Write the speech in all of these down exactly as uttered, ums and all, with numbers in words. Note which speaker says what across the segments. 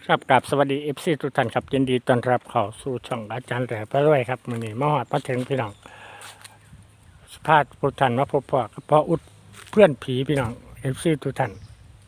Speaker 1: ครับกับสวัสดีเอฟซีทุกท่านครับยินดีต้อนรับเข้าสู่ช่องอาจารย์แหล่พระรวยครับมื้อนี้มาฮอดมาถึงพี่น้องสภาพทุกท่านมาพบพ่อกับพ่ออุดเพื่อนผีพี่น้องเอฟซีทุกท่าน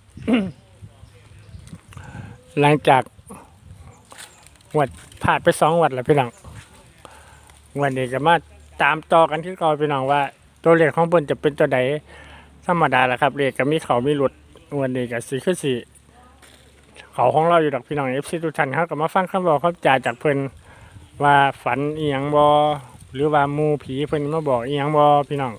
Speaker 1: หลังจากวัดผ่านไปสองวัดแล้วพี่น้องวันนี้ก็มาตามต่อกันที่ก่อนพี่น้องว่าตัวเลขของเพิ่นจะเป็นตัวใดธรรมดาแหละครับเลขก็มีเขามีหลุดวันนี้ก็สิคือสิ เขาของเราอยู่ดอกพี่น้องเอฟซีทุกท่านเขาก็มาฟังคำบอกคำจ่าจากเพิ่นว่าฝันอีหยังบอหรือว่าหมูผีเพิ่นมาบอกอีหยังบอพี่น้อง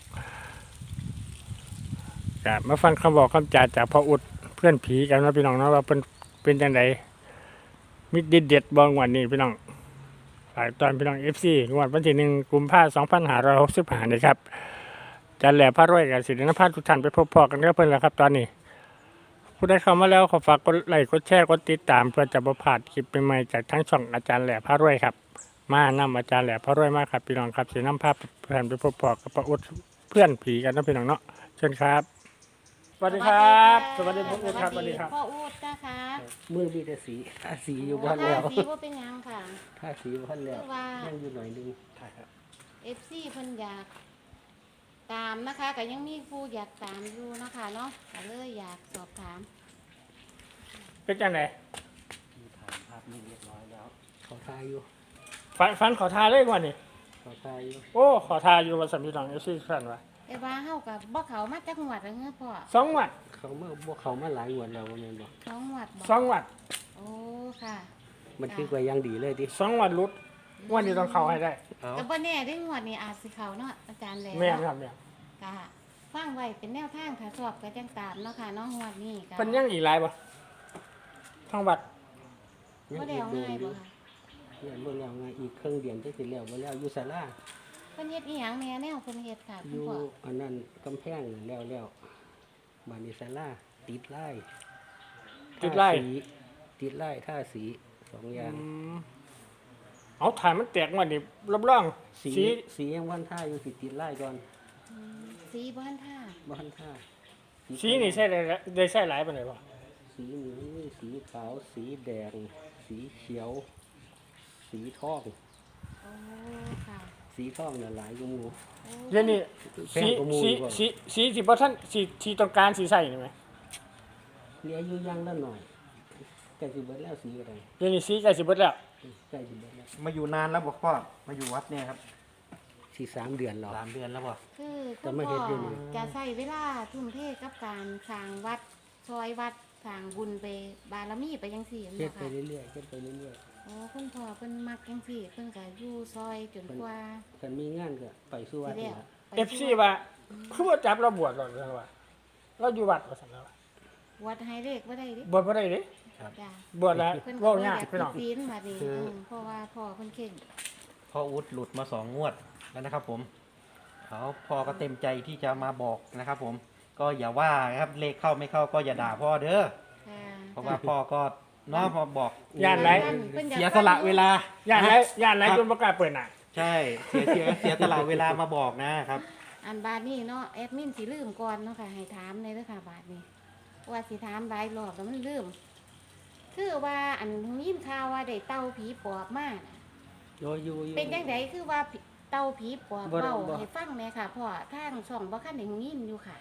Speaker 1: ก็มาฟังคำบอกคำจ่าจากพ่ออุดเพื่อนผีกันนะพี่น้องเนาะว่าเป็นเป็นจังไดมิดเด็ดเด็ดบองวันนี้พี่น้องฝากตอนพี่น้องเอฟซีงวดวันที่หนึ่งกุมภาพันธ์สองพันห้าร้อยหกสิบห้านี่ครับจันแหล่พระรวยกับศิรินภาทุกท่านไปพบพ่อกันกับเพิ่นแล้วครับตอนนี้ผู้ใดเข้ามาแล้วขอฝากกดไลค์กดแชร์กดติดตามเพื่อจะบ่พลาดคลิปใหม่ๆจากทั้งช่องอาจารย์แหล่พระรวยครับมานำอาจารย์แหล่พระรวยมากครับพี่น้องครับสินำภาพเพื่อนไปพบปะกับพระอุดเพื่อนผีกันนะพี่น้องเนาะเชิญครับสวัสดีครับสวัสดีพ่ออุดครับสวัสดีครับ
Speaker 2: พ่ออูดนะคะ
Speaker 3: มือมีแต่สีทาสีอยู่บ้าน
Speaker 2: ถ้า
Speaker 3: แล้ว
Speaker 2: สีว่าเป็นหยังค่ะ
Speaker 3: ทาสีบ้านแล้ว
Speaker 2: คือว่า
Speaker 3: ยังอยู่หน่อยนึง
Speaker 2: เอฟซีเพิ่นอยากตามนะคะก็ยังมีผู้อยากตามอยู่นะคะเนาะก็เลยอยากสอบถาม
Speaker 1: เป็นจังได
Speaker 3: มีถ่ายภาพนี่เรียบร้อยแล้วเขาทายอยู่
Speaker 1: ฝันฝันขอทาเลยวันนี้
Speaker 3: เขาทายอยู่
Speaker 1: โอ้ขอทาอยู่วันสามพี่น้องเอฟซีท่านว่า
Speaker 2: แต่ว่าเฮากับบ่เขามาจากหวัดแล้วเงี้ยพ่อ
Speaker 1: สองวัด
Speaker 3: เขามาพวกเขามาหลายงวดแล้วว่าแม่นบ่
Speaker 2: สองหวัดบ่
Speaker 1: สองวัด
Speaker 2: โอ้ค่ะ
Speaker 3: มันคือว่ายังดีเลยดิ
Speaker 1: สองวัดรุดวันนี้ต้องเข้าให้ได้
Speaker 3: เอา
Speaker 2: ก็บ่แน่ได้หวดนี่อาจสิเขาเนาะอาจารย์แหล้ว
Speaker 1: แม่นครับแม่น
Speaker 2: ค่ะฟังไว้เป็นแนวทางค่ะสอบก็จังตามเนาะค่ะเนาะหวดนี้ก็
Speaker 1: เป็นยังอีกหลายบ่ทั้งวัด
Speaker 2: บ่ได้เอาง่ายบ่ค่ะ
Speaker 3: เนี่ยเมื่อแล้วไงอีกเครื่องเดียนจะสิแล้วบ่แล้วอยู่ศาลา
Speaker 2: เพิ่นเฮ็ดอีหยังแม่แนวเพิ่นเฮ็ดค่ะ
Speaker 3: อ
Speaker 2: คุณ
Speaker 3: ยู่
Speaker 2: พ่อ
Speaker 3: อันนั้นกำแพงนั่นแล้วแล้วบ้านนี้ศาลาติดไล่
Speaker 1: ติดไล่
Speaker 3: ทาสีติดไล่ท่าสีสองอย่าง
Speaker 1: อืมเอาถ่ายมันแตกวันนี้รับรอง
Speaker 3: สี
Speaker 1: สี
Speaker 3: สียังวันท่าอยู่สิติดไล่ก่อน
Speaker 2: อืมสีบ้านท่า
Speaker 3: บ้านท่า
Speaker 1: สีนี่ใช่ได้ได้ใช่หลายปานใดบ่
Speaker 3: สีนี้สีขาว สีแดง สีเขียว สีทอง
Speaker 2: โอ้ค่ะ
Speaker 3: สีทองเนี่ยหลายอยู่หมู่
Speaker 2: โอ้
Speaker 1: เดี๋ยวนี้
Speaker 3: แพง
Speaker 1: สี
Speaker 3: กว่าหมู่
Speaker 1: สี
Speaker 3: อีกบ่
Speaker 1: สีสีสิบ่ท่านสีสีต้องการสีใส่นี่ไหม
Speaker 3: เหลืออยู่อยังละหน่อยใกล้สิเบิดแล้วสีอะไร
Speaker 1: เดี๋ยวนี้สีใกล้สิเบิดแล้ว
Speaker 3: ใกล้สิเบิดแล้ว
Speaker 4: มาอยู่นานแล้วบอกพ่อมาอยู่วัดเนี่ยครับ
Speaker 3: สีสามเดือนแล้ว
Speaker 4: สามเดือนแล้วบอก
Speaker 2: คือ
Speaker 3: แต่
Speaker 2: คุณ
Speaker 3: ไม่
Speaker 2: พ่
Speaker 3: เฮ็
Speaker 2: อ
Speaker 3: ดอยู่นี่
Speaker 2: จะใช้เวลาทุ่มเทกับการสร้างวัดซอยวัดสร้างบุญไปบารมีไปยังสี่
Speaker 3: เฮ็
Speaker 2: เนาะ
Speaker 3: ดไป
Speaker 2: ค่ะ
Speaker 3: เรื่อยๆเฮ็ดไปเรื่อย
Speaker 2: โอ้คุณพ่อเพิ่นมักยังสี่เพิ่นก็อยู่ซอยจนกว่า
Speaker 3: ๆคันมีงานก็ไปสู่วั
Speaker 2: สิ
Speaker 3: ด
Speaker 2: แล้
Speaker 3: นี่
Speaker 2: ว
Speaker 3: ล่ะ
Speaker 1: เอฟซีว่าคือว่าจับเราบวชหรอกเรื่องว่าเราอยู่วัดว่าซั่นแล้วว่า
Speaker 2: วัดให้เลขบ่ได้ดิ
Speaker 1: บวชบ่ได้เด้
Speaker 2: จ้ะ
Speaker 1: บวชแล้ว
Speaker 2: เพิ่นก็
Speaker 1: เว้า
Speaker 2: บ่อย
Speaker 1: าก
Speaker 2: ยาก
Speaker 1: พี่น้อง
Speaker 2: ศีลบัดนี้อืมเพราะว่าพ่อเพิ่นเข่ง
Speaker 4: พ่ออุดหลุดมาสองงวดแล้วนะครับผมเขาพ่อก็เต็มใจที่จะมาบอกนะครับผมก็อย่าว่านะครับเลขเข้าไม่เข้าก็อย่าด่าพ่อเด้อ
Speaker 2: ค่ะ
Speaker 4: เพราะว่าพ่อก็เนาะพอบอก
Speaker 1: ย่านไหน
Speaker 2: เพิ่นอยาก
Speaker 4: เสียสละเวลา
Speaker 1: ย่านไหนย่านไหนจนบ่กล้าเปิดหน้า
Speaker 4: ใช่เสียเสียเสียสละเวลามาบอกนะครับ
Speaker 2: อันบาดนี้เนาะแอดมินสิลืมก่อนเนาะค่ะให้ถามเลยเด้อค่ะบาดนี้ ว่าสิถามหลายรอบแล้วมันลืมคือว่าอันยินข่าวว่าได้เต่าผีปอบมาน่ะ
Speaker 3: โยอยู่อยู่
Speaker 2: เป็นจังไดคือว่าผีเต่าผีปอบ
Speaker 3: บ่ได้
Speaker 2: เว้า
Speaker 3: บ่
Speaker 2: ให้ฟังแหน่ค่ะพ่อทางช่องบ่คันได้ยินอยู่ค่ะ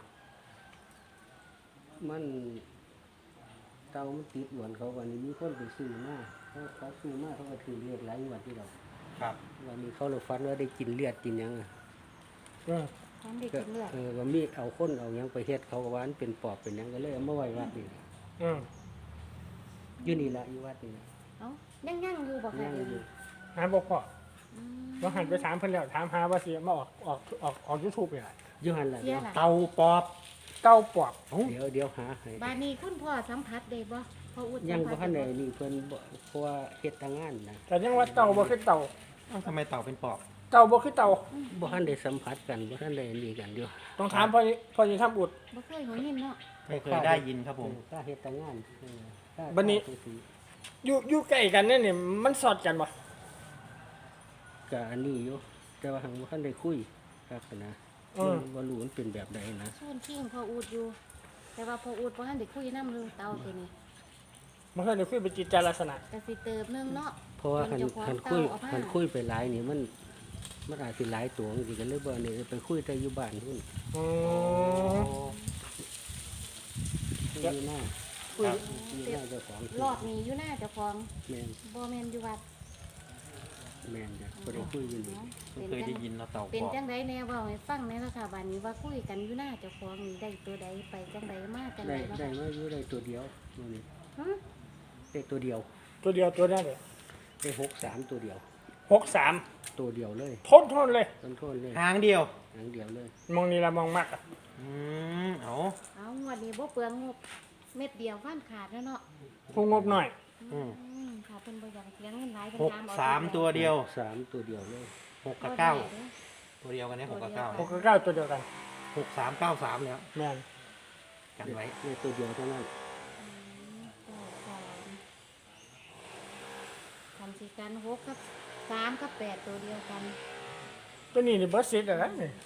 Speaker 3: มันเตามันติดหวนเขาวันนี้มีคนไปซื้อมาเขาเขาซื้อมาเขาก็ถือเลือดหลายงวดที่เรา
Speaker 4: ครับ
Speaker 3: วันนี้เขาเลยฟันว่าได้กินเลือดกินหยังอะ
Speaker 1: เออ
Speaker 2: ทำได้
Speaker 3: ก็
Speaker 2: กินเลือด
Speaker 3: เออว่ามีเอาคนเอาหยังไปเฮ็ดเขาก็ว่ามันเป็นปอบเป็นหยังก็เลยเอามาไว้วัดนี่
Speaker 1: อืม
Speaker 3: อยู่นี่ละอยู่วัดนี่ล่ะ
Speaker 2: เอ้ายังยังอยู่บ่ค่ะ
Speaker 3: ยัง
Speaker 2: เดี๋ยว
Speaker 3: อยู่
Speaker 2: นี้
Speaker 1: หาบ่พอ
Speaker 2: อืม
Speaker 1: บ่หันไปถามเพิ่นแล้วถามหาว่าสิมาออกออกออกออก YouTube นี่ล่ะ
Speaker 3: อยู่หันละ
Speaker 2: เสียล่ะ
Speaker 4: เตาปอบ
Speaker 1: เต้าปอบ
Speaker 3: เดี๋ยวเดี๋ยวหาให้
Speaker 2: บาดนี้คุณพ่อสัมผัสได้บ่พ่ออุด
Speaker 3: ยัง
Speaker 2: สัม
Speaker 3: บ่
Speaker 2: ผัส
Speaker 3: ทันได้
Speaker 2: ได้บ่
Speaker 3: นี่เพิ่นบ่เพราะว่าเฮ็ดทางงานนะ
Speaker 1: แต่ยังว่าเต่าบ่คือเต่า
Speaker 4: เอ้าทำไมเต่าเป็นปอบ
Speaker 1: เต่าบ่คือเต่า
Speaker 3: บ่ทันได้สัมผัสกันบ่ทันได้นี่กันอยู่
Speaker 1: ต้องถามพ่อพ่อสิทำบุตร
Speaker 2: บ่เคยหูยินเนาะ
Speaker 4: ไม่เคยได้ยินครับผม
Speaker 3: ถ้าเฮ็ดทางงานเออถ้า
Speaker 1: บัดนี้
Speaker 3: ถ้าจังซี้
Speaker 1: อยู่อยู่ใกล้กันเนี่ยนี่มันสอดกันบ่
Speaker 3: ก็อันนี้อยู่แต่ว่าหังบ่ทันได้คุยครับนะ
Speaker 1: อืม
Speaker 3: บ่รู้มันเป็นแบบใดนะ
Speaker 2: ส่วนคิงพ่ออุดอยู่ แต่ว่าพ่ออุดบ่ทันได้คุยนำเรื่องเต่าตัวนี้
Speaker 1: มันเคยได้คุยเป็นจิตใจลักษณะ
Speaker 2: กสิเติบหนึงเนาะ
Speaker 3: เพราะว่าคัน
Speaker 2: เจ้าของ
Speaker 3: คันคุย
Speaker 2: เก่าเอามา
Speaker 3: คันคุยไปหลายนี่มันมันอาจสิหลายตัวจริงๆกันเลยบ่นี่ไปคุยแต่อยู่บ้านพุ่น
Speaker 1: อื
Speaker 4: โอ้
Speaker 1: ม
Speaker 3: คุยอยู่หน้า
Speaker 1: คุย
Speaker 3: อยู่หน้าเจ้าของ
Speaker 2: รอบนี้อยู่หน้าเจ้าของ
Speaker 3: แม่น
Speaker 2: บ่แม่นอยู่วัด
Speaker 3: แม่นจ้ะบ่ได้คุยอยู่นี่
Speaker 2: เป็น
Speaker 4: เคย
Speaker 2: จั
Speaker 4: ได้
Speaker 2: ง
Speaker 4: ยินเนาะเต่า
Speaker 2: เป็น
Speaker 4: บอก
Speaker 2: จังไดแน่เว้าให้ฟังแหน่ล่ะค่ะบัดนี้ว่าคุยกันอยู่หน้าเจ้าของนี่ได้ตัวใดไปจังไดมาจัง
Speaker 3: ได้
Speaker 2: ไดเนาะ
Speaker 3: ได้
Speaker 2: ค่ะ
Speaker 3: มาอยู่ได้ตัวเดียวมื้อนี้
Speaker 2: หึ
Speaker 3: ได้ตัวเดียว
Speaker 1: ตัวเดียวตัวนี้เลย
Speaker 3: ได้หกสามตัวเดียว
Speaker 1: หกสาม
Speaker 3: ตัวเดียวเลย
Speaker 1: ทนทนเลย
Speaker 3: ต้นโทษเลย
Speaker 4: ทางเดียว
Speaker 3: หางเดียวเลย
Speaker 1: มองนี่ละมองมากอะ
Speaker 4: อืมเอา
Speaker 2: เอางวดนี้บ่เปลืองงบเม็ดเดียวฟันขาดแล้วเนาะ
Speaker 1: ผู้งบหน่อย
Speaker 4: อืม
Speaker 2: อืมค่ะเพิ่นบ่อยากเสียเงินหลายเพิ่น
Speaker 4: หก
Speaker 2: ตามเอ
Speaker 4: สามตัวเดียว
Speaker 3: สามตัวเดียวเลย
Speaker 4: หกกับเก้าตัวเดียวกันเนี่ยหกกับเก้า
Speaker 1: หกกับเก้าตัวเดียวกัน
Speaker 4: หกสามเก้าสามแล้ว
Speaker 1: แม่น
Speaker 4: กันไว้
Speaker 3: ได้ตัวเดียวเท่านั้น
Speaker 2: ทำสิกันหกกับสามกับแปดตัวเดียวกัน
Speaker 1: ตัวนี้นี่เบิร์ดซิดอะไรนี่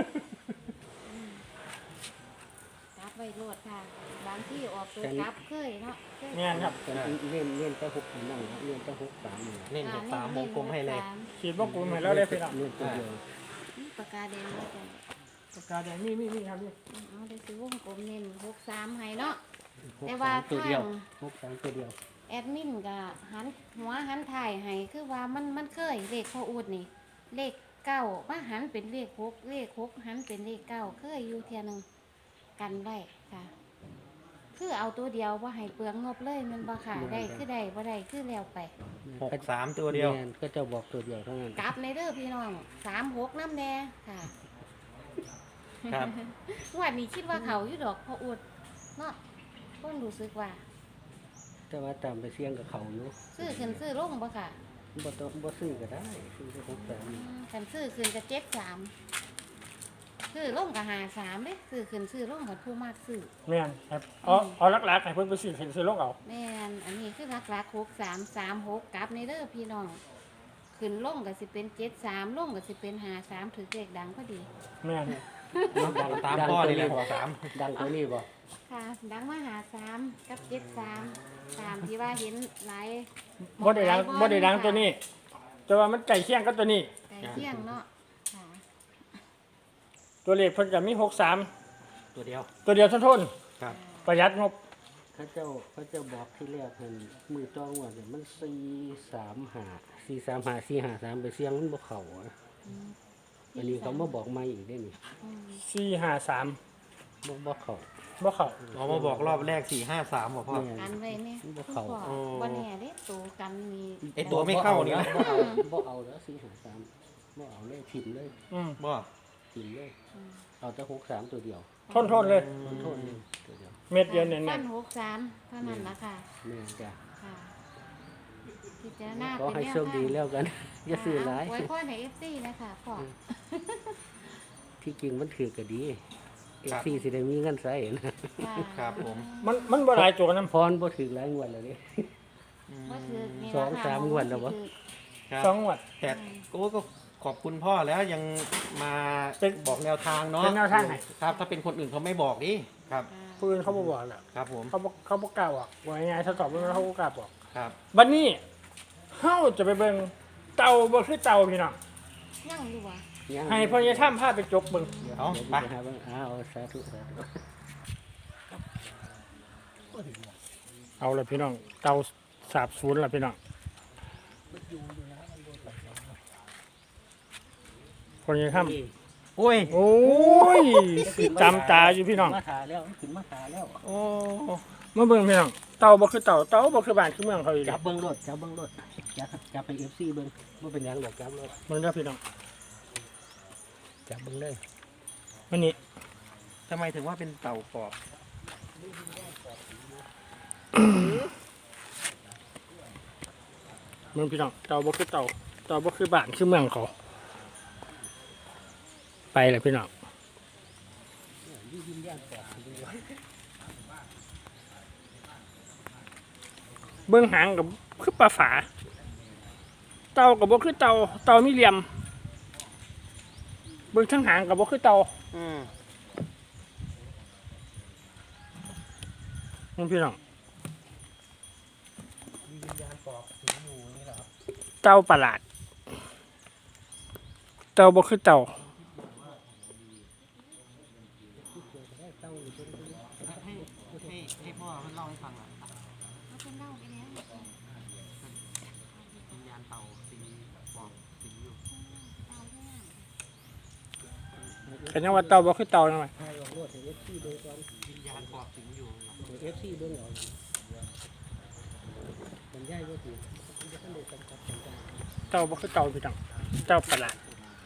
Speaker 2: กลับไว้โลดค่ะบางที่ออกตัวกลับเคยเนาะเคย
Speaker 1: แม่นครับ
Speaker 3: แต่เล่นเล่นแต่หกนั่งเล่นแต่หกสามนี่
Speaker 4: เล่นหกสามวงกลมให้เลย
Speaker 1: ขีดวงกลมให้แล้วได้พี่น้อง
Speaker 3: เล่นตัวเดียว
Speaker 2: นี่ปากกาแดงแล้วจ้ะ
Speaker 1: ปากกาแดงนี่นี่นี่ครับนี่
Speaker 2: เอาได้ซื้อวงกลมเน้นหกสามให้เนาะ
Speaker 3: หก
Speaker 2: แต่ว่า
Speaker 3: สามตัวเดียว
Speaker 2: ทาง
Speaker 3: หกสามตัวเดียว
Speaker 2: แอดมินก็หันหัวหันถ่ายให้คือว่ามันมันเคยเลขพ่ออูดนี่ เลขเก้ามาหันเป็นเลขหกเลขหกหันเป็นเลขเก้าเคยอยู่เทียหนึงกันไว้ค่ะ คือเอาตัวเดียวว่าให้เปลืองงบเลยแมันบ่ค่ะได้คือได้บ่ได้คือแล้วไป
Speaker 4: หกสามตัวเดียว
Speaker 3: แม่นก็จะบอกตัวเดียวเท่านั้น
Speaker 2: กลับในเด้อพี่น้องสามหกน้ำแดงค่ะ
Speaker 4: ครับ
Speaker 2: วันนี้คิดว่าเขาอยู่ดอกพออุดเนาะก็รู้สึกว่า
Speaker 3: แต่ว่าตามไปเสี่ยงกับเขาอยู่
Speaker 2: ซื้อขึ้นซื้อลงบ่ค่ะ
Speaker 3: บ่ต้องบ่ซื้อก็ได้ซื้อแค่หกสาม
Speaker 2: อืมคันซื้อขึ้นกับเจ็ดสามซื้อลงกับหาสามเด้ซื้อขึ้นซื้อลงกับผู้มากซื้อ
Speaker 1: แม่นครับเอาเอาลักๆให้เพิ่นไปซื้อเห็นซื้อลงเอา
Speaker 2: แม่นอันนี้คือรักรักหกสามสามหกกลับในเด้อพี่น้องขึ้นลงก็สิเป็นเจ็ดสามลงก็สิเป็นหาสามถือเลขดังพอดี
Speaker 1: แม่น
Speaker 4: ตามพ่อเลยแหละหกสาม
Speaker 3: ดังตัวนี้บ่
Speaker 2: ค่ะดังมาหาสามกับเจ็ดสามตามที่ว่าเห็นหลาย
Speaker 1: บ่ได้ดังบ่ได้ดังตัวนี้ แต่ว่ามันใกล้เคียงกับตัวนี้
Speaker 2: ไก่เที่ยงเนาะค่ะ
Speaker 1: ตัวเลขเพิ่นก็มีหกสาม
Speaker 4: ตัวเดียว
Speaker 1: ตัวเดียวทนทน
Speaker 4: ครับ
Speaker 1: ประหยัดงบ
Speaker 3: เขาเจ้าเขาเจ้าบอกที่แรกเพิ่นมือจ้องว่าเนี่ยมันสี่สามห้าสี่สามห้าสี่ห้าสามไปเสี่ยงมันบ่เข้าอะ
Speaker 2: อืม
Speaker 3: อันนี้เขามาบอกใหม่อีกได้นี่
Speaker 2: อืม
Speaker 1: สี่ห้าสาม
Speaker 3: บ่บ่เข้า
Speaker 1: บ่เข้า
Speaker 4: เรามาบอกรอบแรกสี่ห้าสามบอกพ่อ
Speaker 3: แม่
Speaker 2: กันไว้เนี่ย
Speaker 3: บ่
Speaker 2: คุณ
Speaker 3: เข้า
Speaker 2: พ่อ
Speaker 4: โอ้
Speaker 2: วันนี้เด้ตัวกันมี
Speaker 4: ไอตัวไม่เข้านี่
Speaker 3: บ่
Speaker 4: นะ
Speaker 3: เอาบ่เอาแล้วสี่ห้าสามบ่เอาเลยถิ่มเลย
Speaker 1: อืม
Speaker 4: บ่
Speaker 3: ถิ่มเลย
Speaker 2: อืม
Speaker 3: เอาแต่หกสามตัวเดียว
Speaker 1: ทนทนเลย
Speaker 3: มันโทษนี่ตัวเดียว
Speaker 1: เม็ดเดียวเน้
Speaker 2: ฟั
Speaker 1: น
Speaker 2: นหกสามเท่านั้นละค่ะ
Speaker 3: แม่นจ้ะ
Speaker 2: ค่ะพิจารณา
Speaker 3: ขอ
Speaker 2: เป็น
Speaker 3: ให้
Speaker 2: แนว
Speaker 3: โชคดีแล้วกัน อย่าซื้อหลาย
Speaker 2: ไว้พ่อในเอฟซีนะคะพ่อ
Speaker 3: ที่จริงมันถือก็ดีเอฟซีสิได้มีเงินใช้นะ
Speaker 2: ค่ะ
Speaker 4: ครับผม
Speaker 1: ๆมันมันบ่หลายตัวกันนำ
Speaker 3: พรบ่ถือหลายงวดแล้วนี่
Speaker 2: บ่ถือนี่
Speaker 3: สอง
Speaker 2: ล่ะค่ะ
Speaker 3: สามงวดแล้ววะ
Speaker 4: ครับ
Speaker 1: สองงวด
Speaker 4: แต่โอ้ก็ขอบคุณพ่อแล้วยังมา
Speaker 1: เป็น
Speaker 4: บอกแนวทางเนาะ
Speaker 1: เป็นแนวทางให้
Speaker 4: ครับ ถ้าเป็นคนอื่นเขาไม่บอกดิครับ
Speaker 2: ค่ะ
Speaker 1: ผู้อื่นเขาบ่บอกแล้ว
Speaker 4: ครับผม
Speaker 1: เขาบ่เขาบ่กล้าบอกว่าง่ายๆถ้าตอบบ่ได้เขาบ่กล้าบอก
Speaker 4: ครับ
Speaker 1: บัดนี้เฮาจะไปเบิ่งเต่าบ่คือเต่าพี่น้อง
Speaker 2: ยังอยู่วะ
Speaker 3: ยัง
Speaker 1: ให้พ่อใหญ่ถ้ำพาไปจกเบิ่ง
Speaker 4: เอา
Speaker 3: เดี๋ยว
Speaker 4: ไป
Speaker 3: ไปหาเบิ่งอ้าวสาธุสาธุ
Speaker 1: เอาละพี่น้องเต่าสาบสูญละพี่น้องพ่อใหญ่ถ้ำ
Speaker 4: โอ้ย
Speaker 1: โอ้ยจำตาอยู่พี่น้อง
Speaker 3: มาถาแล้วขึ้นมาถาแล้ว
Speaker 1: โอ้มาเบิ่งพี่น้องเต่าบ่คือเต่าเต่าบ่คือบ้านคือเมืองเขาอีก
Speaker 3: จับเบิ่งรถจับเบิ่งรถจับจับไป เอฟ ซี เบิ่งบ่เป็นหยังดอกจับรถ
Speaker 1: เบิ่งเด้อพี่น้อง
Speaker 3: จับเบิ่งเลย
Speaker 1: วันนี้
Speaker 4: ทำไมถึงว่าเป็นเต่ากรอบ
Speaker 1: เบิ่งพี่น้องเต่าบ่คือเต่าเต่าบ่คือบ้านคือเมืองเขาไปเลยพี่น้องเบิ่งหางกับคือปลาฝาเต่ากับบ่คือเต่าเต่ามีเหลี่ยมเบิ่งทั้งหางกับบ่คือเต่า
Speaker 4: อืม
Speaker 1: เบิ่งพี่น้องเต่าประหลาดเต่าบ่คือเต่า
Speaker 3: เต้าหรือเป็น
Speaker 4: ให้ให้ให้พ่อเล่าให้ฟังหน่อย
Speaker 2: เขาเป็นเล่าไปแล้ว
Speaker 4: วิญญาณเต่าสิงบอกสิงอยู่
Speaker 2: เต่าเรื่อง
Speaker 1: ก็ยังว่าเต่าบ่คือเต่าจังได๋
Speaker 3: ไทยออกรถเอฟซีเบิ้งก่อน
Speaker 4: วิญญาณบอกสิงอยู่
Speaker 3: เอฟซีเบิ้งเอามันย่ายก็ถือมันจะต้องเดือดกำกับกันได้
Speaker 1: เต่าบ่คือเต่าพี่น้องเต่าประหลาด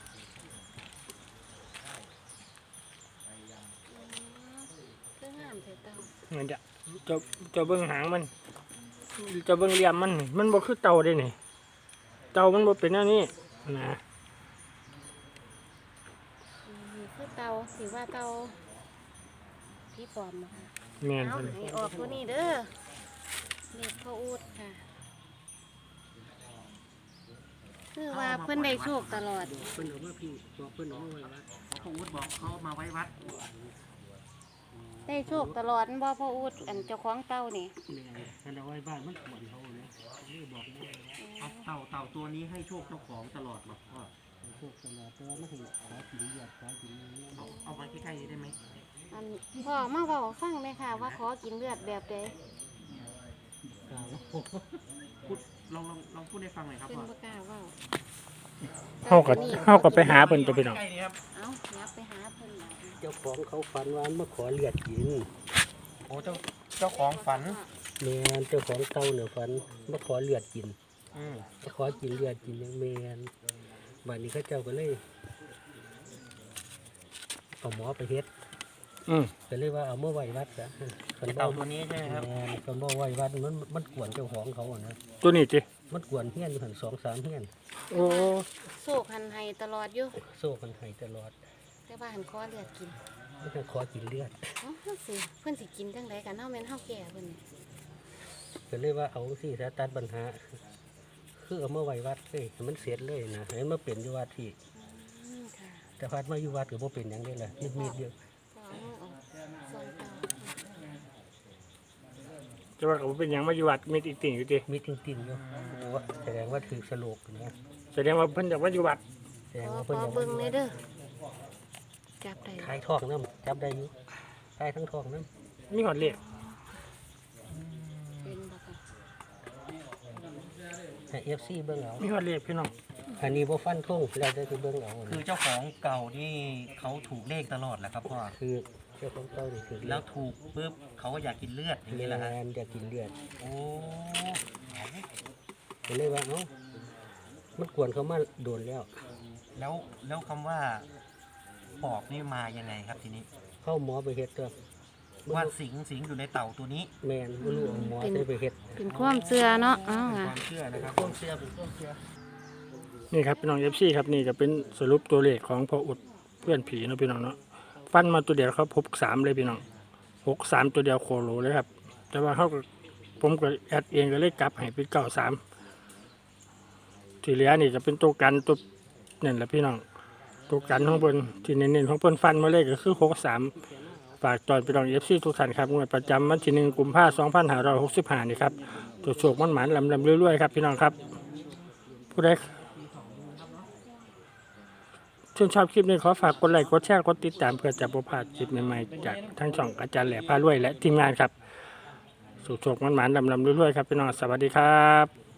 Speaker 2: เรื่องงามเถอะเต่า
Speaker 1: เหมือนจะจะจะเบิ่งหางมันจะเบิ่งเหลี่ยมมันนี่มันบ่คือเต่าเด้นี่เต่ามันบ่เป็นแนวนี้นะ
Speaker 2: อืมนี่คือเต่าสิว่าเต่าพี่ปลอมนะคะ
Speaker 1: แม่น
Speaker 2: เอา
Speaker 1: เพิ่น
Speaker 2: ให้ออกตัวนี้เด้อเลขพ่ออูดค่ะ คือว่าเพิ่นได้โชคตลอด
Speaker 3: เพิ่นเอามาพี่บอกเพิ่นเอามาไว้ว่า
Speaker 4: พ่ออู๊ดบอกเขามาไว้วัด
Speaker 2: ได้โชคตลอดบ่พ่ออูดอันเจ้าของเต่านี่
Speaker 3: แม่ท่านเอาไว้บ้านมันขวนเขาเนี่ยนี่บอกแม่ว่า
Speaker 4: เอาเต่าเต่าตัวนี้ให้โชคเจ้าของตลอดบอกพ่อ
Speaker 3: พวกตลอดแต่ว่าไม่เห็นขอกินเหยียดขอกินเนี่ย
Speaker 4: เอาเอาไว้ใกล้ๆได้ไหม
Speaker 2: อันพ่อมาเว้าฟังเลยค่ะ ว่าขอกินเลือดแบบใด
Speaker 3: กล่าวว่า
Speaker 4: พูดลองลองลองพูดให้ฟังหน่อยครับ
Speaker 2: เพิ่น
Speaker 4: พ่อ
Speaker 2: บ่กล้าเว้า
Speaker 1: เฮาก็เฮาก็ไปหาเพิ่นตัวพี่น้อง
Speaker 4: ใกล้ๆนี่ครับ
Speaker 2: เอ้าอยากไปหาเพิ่นล่ะ
Speaker 3: เจ้าของเขาฝันว่ามาขอเลือดกิน
Speaker 4: โอ้เจ้าเจ้าของฝัน
Speaker 3: แม่นเจ้าของเต้าเนี่ยฝันมาขอเลือดกิน
Speaker 4: อืม
Speaker 3: มาขอกินเลือดกินอย่างแม่นบัดนี้เขาเจ้าก็เลยเอาหมอไปเฮ็ด
Speaker 1: อืม
Speaker 3: ก็เลยว่าเอามาไว้วัดซะคันบ่
Speaker 4: เต่าตัวนี้ใช่ไหมครับ
Speaker 3: แม่นคันบ่ไว้วัดมันมันกวนเจ้าของเขาอะนะ
Speaker 1: ตัวนี้ติ
Speaker 3: มันกวนเฮียนอยู่หันสองสามเฮียน
Speaker 1: โอ้
Speaker 2: โศกหันให้ตลอดอยู่
Speaker 3: โซ่กันให้ตลอด
Speaker 2: แต่ว่าหันขอเลือดกิน
Speaker 3: มันจะขอกินเลือด
Speaker 2: เอ้าเพิ่นสิเพิ่นสิกินจังไดกันเฮาแม่นเฮาแก่เพิ่นนี่
Speaker 3: ก็เลยว่าเอาสิสาตัดปัญหา คือเอามาไว้วัดเลยให้มันเสร็จเลยนะให้มันมาเป็นอยู่วัดที่
Speaker 2: อืมค่ะ
Speaker 3: แต่พัดมาอยู่วัดก็บ่เป็นหยังได้ล่ะมีดๆเดียว
Speaker 2: ก็เอามือออกซอยเต่า
Speaker 1: จะว่าก็บ่เป็นหยังมาอยู่วัดมีอีกติ่งอยู่ติ
Speaker 3: มีติ่งๆอยู่โอ้แสดงว่าถือสโลกนะ
Speaker 1: แสดงว่าเพิ่นอยากมาอยู่วัด
Speaker 3: แสดง
Speaker 2: ขอ
Speaker 3: ว่า
Speaker 2: ข
Speaker 3: เพิ่น
Speaker 2: อ
Speaker 3: อยาก
Speaker 2: เบิ่งเลยเด้อจับได้
Speaker 3: ขายทองน้ำจับได้อยู่ขายทั้งทองน้
Speaker 1: มีหอดเลข
Speaker 2: เป็นบ่ค่ะ
Speaker 3: ำให้ เอฟ ซี เบิ่งเอา
Speaker 1: มีหอดเลขพี่น้อง
Speaker 3: อันนี้บ่ฟันทงแล้วได้คือเบิ่งเอา
Speaker 4: คือเจ้าของเก่านี่เขาถูกเลขตลอดแหละครับพ่อ
Speaker 3: คือเจ้าของเต้านี่ถือ
Speaker 4: แล้วถูกปุ๊บเขาก็อยากกินเลือดอย่างนี้แหละฮะ
Speaker 3: แม่นอยากกินเลือด
Speaker 4: โอ้
Speaker 3: ก็เลยว่าเอ้ามันกวนเขามาโดนแล้ว
Speaker 4: แล้วแล้วคำว่าปอบนี่มายังไงครับทีนี้
Speaker 3: เข้าหมอไปเฮ็ดตัว
Speaker 4: ว่าสิงสิงอยู่ในเต่าตัวนี้
Speaker 3: แม่นบ่รู้เอาหมอได้ไปเฮ็ด
Speaker 2: เป็นความเชื่อเนาะเอ้า
Speaker 4: เป็น
Speaker 2: ค่ะ
Speaker 4: ความเชื่อนะครับ
Speaker 3: ความเชื่อเป็นความเชื่อ
Speaker 1: นี่ครับพี่น้อง เอฟ ซี ครับนี่ก็เป็นสรุปตัวเลขของพ่ออุดเพื่อนผีเนาะพี่น้องเนาะฟันมาตัวเดียวครับพบสามเลยพี่น้องหกสามตัวเดียวโคโลเลยครับ แต่ว่าเขาก็ผมก็แอดเองก็เลยกลับให้เป็นเก้าสามที่เหลือนี่จะเป็นตัวกันตัวนั่นแหละพี่น้องตัวกันข้างบนที่เน้นๆของเพิ่นฟันมาเลยก็คือหกสามฝากตอนพี่น้อง เอฟ ซี ทุกท่านครับงวดประจำวันที่หนึ่งกุมภาพันธ์สองพันห้าร้อยหกสิบห้านี่ครับตัวโชคมันหมานลำลำเรื่อยๆครับพี่น้องครับผู้ใดชื่นชอบคลิปนี้ขอฝากกดไลค์กดแชร์กดติดตามเพื่อจะประพลาดคลิปใหม่ๆจากทั้งช่องอาจารย์แหล่พารวยและทีมงานครับสุขโชคมันหมานลำลำเรื่อยๆครับพี่น้องสวัสดีครับ